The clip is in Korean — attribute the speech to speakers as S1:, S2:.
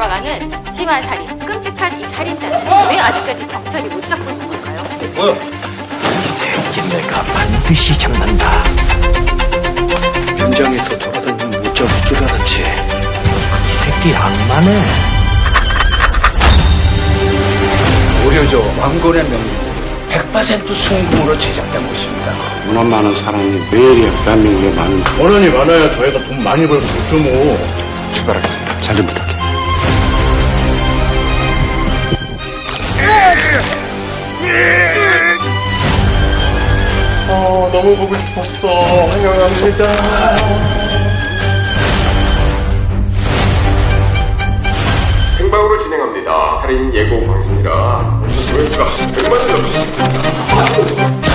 S1: 돌아가는 심한 살인, 끔찍한 이 살인자는 왜 아직까지 경찰이 못 잡고 있는 걸까요?
S2: 뭐야?
S3: 이 새끼 내가 반드시 잡는다.
S2: 현장에서 돌아다니면 못 잡을 줄 알았지.
S3: 이 새끼 악마네.
S2: 보여줘 왕건의 명령 100% 순금으로 제작된 것입니다.
S4: 문화 많은 사람이 왜 이리 대한민국에 많은
S5: 원한이 많아야 저희가 돈 많이 벌고 좋죠 뭐.
S4: 출발하겠습니다. 잘 좀 부탁해.
S5: 너무 보고 싶었어. 환영합니다.
S6: 생방으로 진행합니다. 살인 예고 방송이라 조회수가 100만을 넘을 수 있습니다.